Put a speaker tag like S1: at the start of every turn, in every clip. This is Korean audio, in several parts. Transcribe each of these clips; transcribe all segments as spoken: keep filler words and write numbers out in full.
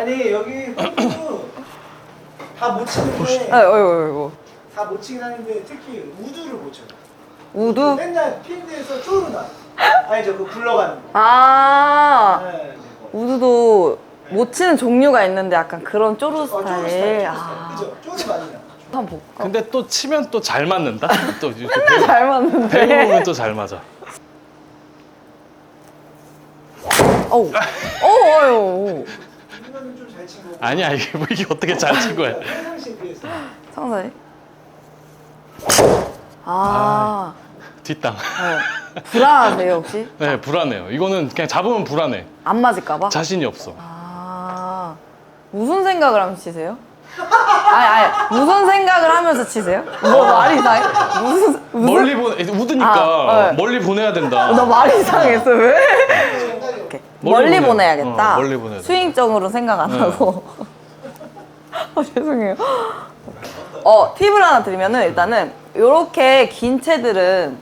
S1: 아니 여기 다 못 치는데
S2: 아, 어이구, 어이구.
S1: 다 못 치긴 하는데 특히 우드를 못 쳐요.
S2: 우드?
S1: 맨날 필드에서 쪼르 나. 아니죠, 그 굴러가는 거.
S2: 아,
S1: 네.
S2: 우드도 못 치는 종류가 있는데 약간 그런 쪼르
S1: 어, 쪼르
S2: 스타일.
S1: 스타일.
S2: 아,
S1: 그죠? 쪼르 많이 나.
S2: 한번 볼까?
S3: 근데 또 치면 또 잘 맞는다. 또 이렇게
S2: 맨날 잘 맞는데.
S3: 배우면 또 잘 맞아.
S2: 어우, 어우, 어우.
S1: 이거는 좀 잘 친 거고.
S3: 아니야 이게 뭐 이게 어떻게 잘 친 거야?
S1: 평상시에 비해서.
S2: 상사님? 아,
S3: 뒷땅.
S2: 어. 불안하세요 혹시?
S3: 네 불안해요. 이거는 그냥 잡으면 불안해.
S2: 안 맞을까봐?
S3: 자신이 없어.
S2: 아, 무슨 생각을 하면서 치세요? 아니, 아니, 무슨 생각을 하면서 치세요? 뭐 말이 이상해? 무슨, 무슨?
S3: 멀리 보내 우드니까
S2: 아, 네.
S3: 멀리 보내야 된다.
S2: 나 말이 이상했어, 왜? 이렇게. 멀리,
S3: 멀리 보내-
S2: 보내야겠다.
S3: 어, 멀리 보내야 돼.
S2: 스윙적으로 생각 안
S3: 네.
S2: 하고. 아, 죄송해요. 어, 팁을 하나 드리면은 일단은 이렇게 긴 채들은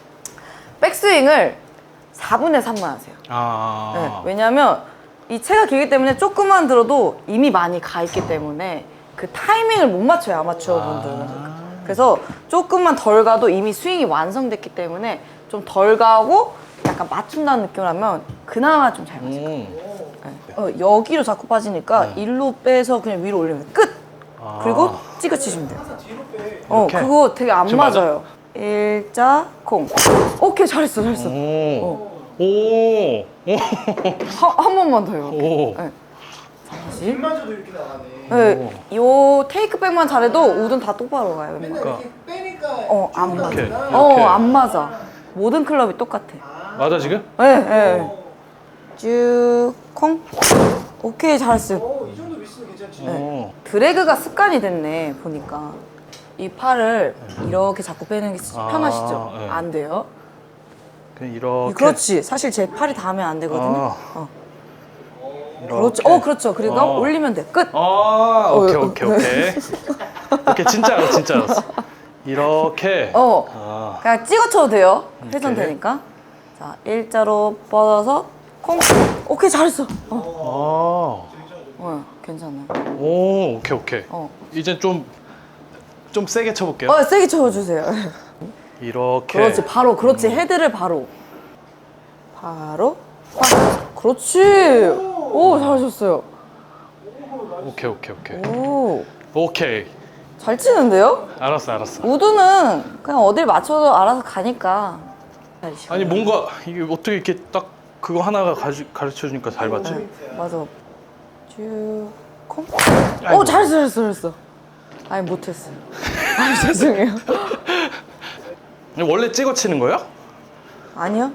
S2: 백스윙을 사분의 삼만 하세요.
S3: 아.
S2: 네, 왜냐면 이 채가 길기 때문에 조금만 들어도 이미 많이 가 있기 때문에 그 타이밍을 못 맞춰요, 아마추어 분들은.
S3: 아.
S2: 그래서 조금만 덜 가도 이미 스윙이 완성됐기 때문에 좀 덜 가고 약간 맞춘다는 느낌을 하면 그나마 좀 잘 맞아요.
S3: 음.
S2: 네. 어, 여기로 자꾸 빠지니까
S3: 네.
S2: 일로 빼서 그냥 위로 올리면 끝!
S3: 아.
S2: 그리고 찍어 치시면 돼요.
S1: 항상 뒤로 빼.
S2: 어,
S3: 이렇게?
S2: 그거 되게 안
S3: 지금 맞아?
S2: 맞아요. 일자, 콩. 오케이, 잘했어, 잘했어.
S3: 오. 오. 오.
S2: 한, 한 번만 더요.
S3: 오.
S2: 네. 다시.
S1: 빗마저도 이렇게 나가네.
S2: 네, 요 테이크백만 잘해도 우드는 다 똑바로 가요. 웬만하면.
S1: 맨날
S3: 그러니까.
S1: 이렇게 빼니까
S2: 어, 안
S1: 쪼르
S2: 맞아.
S3: 이렇게,
S1: 나구나.
S2: 어,
S3: 이렇게.
S2: 안 맞아. 모든 클럽이 똑같아.
S3: 맞아 지금?
S2: 네, 네. 쭉, 콩. 오케이, 잘했어요.
S1: 어, 이 정도 미스는 괜찮지.
S3: 오.
S2: 드래그가 습관이 됐네, 보니까. 이 팔을 이렇게 자꾸 빼는 게
S3: 아,
S2: 편하시죠?
S3: 네.
S2: 안 돼요.
S3: 그냥 이렇게.
S2: 그렇지. 사실 제 팔이 닿으면 안 되거든요.
S3: 아.
S2: 어.
S3: 이렇게.
S2: 그렇죠. 어, 그렇죠. 그리고
S3: 어.
S2: 올리면 돼. 끝.
S3: 아, 오케이
S2: 어,
S3: 오케이
S2: 어.
S3: 오케이. 오케이 진짜 알았어 진짜 알았어. 이렇게.
S2: 어.
S3: 아.
S2: 그냥 찍어 쳐도 돼요. 회전
S3: 오케이.
S2: 되니까. 자, 일자로 뻗어서 콩. 오케이, 잘했어. 어,
S3: 아.
S2: 어 괜찮아요.
S3: 오, 오케이 오케이.
S2: 어.
S3: 이제 좀 좀 세게 쳐볼게요.
S2: 어, 세게 쳐주세요.
S3: 이렇게.
S2: 그렇지, 바로. 그렇지, 헤드를 바로. 바로. 빡. 그렇지. 오, 잘하셨어요.
S3: 오케이 오케이 오케이.
S2: 오,
S3: 오케이.
S2: 잘 치는데요?
S3: 알았어 알았어.
S2: 우드는 그냥 어딜 맞춰도 알아서 가니까.
S3: 아니 뭔가 이게 어떻게 이렇게 딱 그거 하나가 가르쳐 주니까 잘 맞지?
S2: 네, 맞아. 쭉, 콩.
S3: 아이고.
S2: 오, 잘했어, 잘했어, 잘했어. 아니, 못했어요. 아니, 죄송해요.
S3: 원래 찍어 치는 거예요?
S2: 아니요?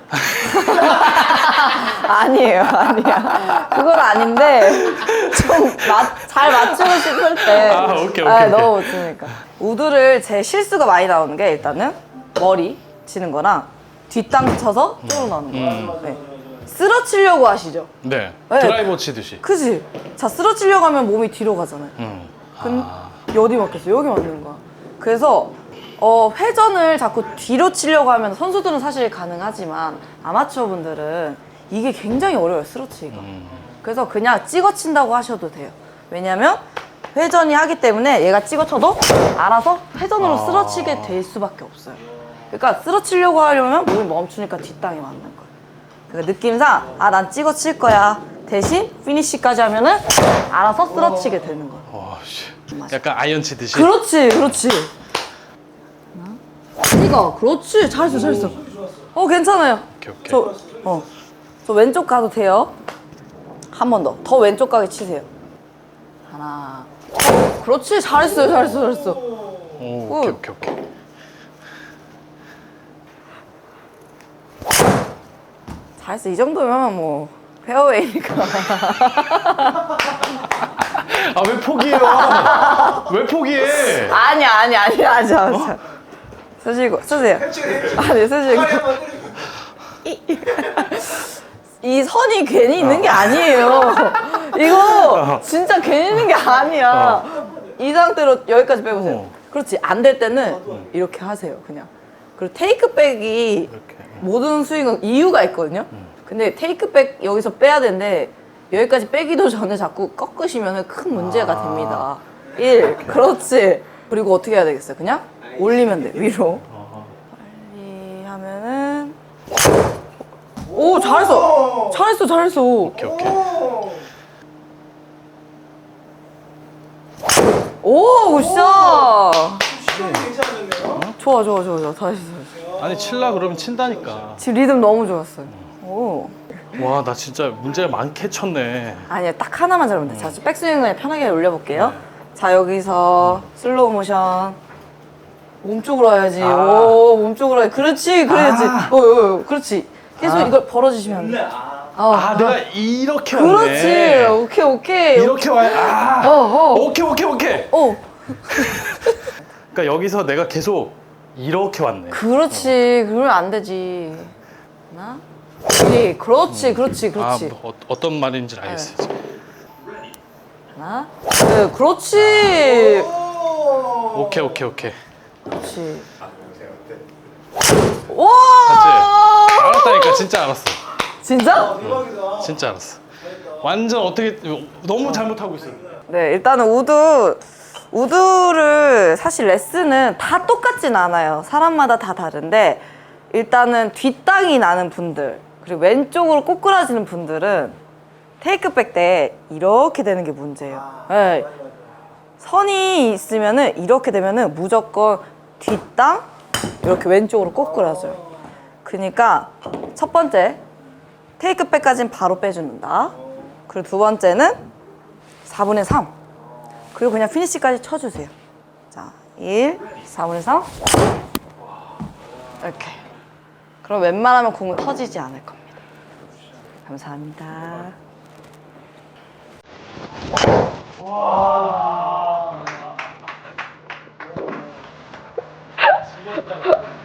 S2: 아니에요, 아니야. 그건 아닌데, 좀 잘 맞추고 싶을 때.
S3: 아, 오케이, 오케이,
S2: 아,
S3: 오케이.
S2: 너무 못 치니까. 우드를 제 실수가 많이 나오는 게 일단은 머리 치는 거랑 뒷땅 쳐서 쪼로 나오는 거예요. 네. 쓰러치려고 하시죠?
S3: 네.
S2: 네.
S3: 드라이버 치듯이.
S2: 그지? 자, 쓰러치려고 하면 몸이 뒤로 가잖아요.
S3: 음.
S2: 근
S3: 아.
S2: 어디 맞겠어? 여기 맞는 거야. 그래서 어, 회전을 자꾸 뒤로 치려고 하면 선수들은 사실 가능하지만 아마추어 분들은 이게 굉장히 어려워요, 스로치기가.
S3: 음.
S2: 그래서 그냥 찍어 친다고 하셔도 돼요. 왜냐면 회전이 하기 때문에 얘가 찍어 쳐도 알아서 회전으로
S3: 아.
S2: 쓰러치게 될 수밖에 없어요. 그러니까 쓰러치려고 하려면 몸이 멈추니까 뒷땅이 맞는 거예요. 그러니까 느낌상 아, 난 찍어 칠 거야. 대신 피니쉬까지 하면은 알아서 쓰러치게 되는 거예요.
S3: 와 씨. 약간 아이언 치듯이.
S2: 그렇지, 그렇지. 이거, 그렇지. 잘했어, 잘했어. 어, 괜찮아요.
S3: 오케이 오케이.
S2: 저, 어, 저 왼쪽 가도 돼요. 한 번 더. 더 왼쪽 가게 치세요. 하나. 어, 그렇지. 잘했어요, 잘했어, 잘했어.
S3: 오, 오케이 오케이 오케이.
S2: 잘했어. 이 정도면 뭐 페어웨이니까.
S3: 아 왜 포기해요? 왜 포기해?
S2: 아니야, 아니야, 아니야, 아니야. 아니야. 쓰시고, 쓰세요. 아니, 쓰시고.
S1: 팔 한번 때리고.
S2: 이 선이 괜히 있는 게 아니에요. 이거 진짜 괜히 있는 게 아니야. 이 상태로 여기까지 빼보세요.
S3: 어.
S2: 그렇지. 안 될 때는 이렇게 하세요, 그냥. 그리고 테이크백이
S3: 이렇게.
S2: 모든 스윙은 이유가 있거든요. 근데 테이크백 여기서 빼야 되는데 여기까지 빼기도 전에 자꾸 꺾으시면 큰 문제가 아. 됩니다. 일. 그렇지. 그리고 어떻게 해야 되겠어요? 그냥 올리면 돼, 위로. 빨리 하면은. 오, 잘했어. 잘했어, 잘했어.
S3: 오케이 오케이.
S2: 오, 굿샷.
S1: 시간이 괜찮았네요.
S2: 좋아, 좋아, 좋아, 좋아. 다시, 다시.
S3: 아니 칠라 그러면 친다니까.
S2: 지금 리듬 너무 좋았어요. 오.
S3: 와 나 진짜 문제 많게 쳤네.
S2: 아니요, 딱 하나만 잘하면 돼. 자, 백스윙 그냥 편하게 올려볼게요. 자, 여기서 슬로우 모션. 몸쪽으로 와야지.
S3: 아.
S2: 오, 몸쪽으로 와야지. 그렇지, 그래야지.
S3: 아.
S2: 오, 오, 오, 그렇지. 계속
S3: 아.
S2: 이걸 벌어주시면 안
S1: 네.
S2: 돼.
S1: 아.
S2: 어,
S3: 아
S2: 어.
S3: 내가 이렇게
S2: 그렇지.
S3: 왔네.
S2: 오케이, 오케이.
S3: 이렇게 와야. 아.
S2: 어, 어.
S3: 오케이 오케이 오케이.
S2: 어,
S3: 그러니까 여기서 내가 계속 이렇게 왔네.
S2: 그렇지. 그러면 안 되지. 하나, 둘, 그렇지, 그렇지, 그렇지.
S3: 아, 뭐, 어, 어떤 말인지 알겠어. 요
S2: 하나, 둘, 그렇지.
S1: 오.
S3: 오케이 오케이 오케이.
S2: 그렇지.
S3: 봤지?
S2: 와!
S3: 알았다니까 진짜 알았어.
S2: 진짜?
S1: 대박이다.
S3: 진짜 알았어. 완전 어떻게 너무 잘못하고 있어.
S2: 네, 일단은 우드, 우드를 사실 레슨은 다 똑같진 않아요. 사람마다 다 다른데 일단은 뒷땅이 나는 분들 그리고 왼쪽으로 꼬꾸라지는 분들은 테이크백 때 이렇게 되는 게 문제예요.
S1: 아,
S2: 네.
S1: 맞아, 맞아.
S2: 선이 있으면은 이렇게 되면은 무조건 뒷땅 이렇게 왼쪽으로 꼬꾸라져요. 그러니까 첫 번째 테이크백까지는 바로 빼주는다. 그리고 두 번째는 사분의 삼. 그리고 그냥 피니시까지 쳐주세요. 자, 일, 사분의 삼. 이렇게. 그럼 웬만하면 공은 터지지 않을 겁니다. 감사합니다.
S1: 와.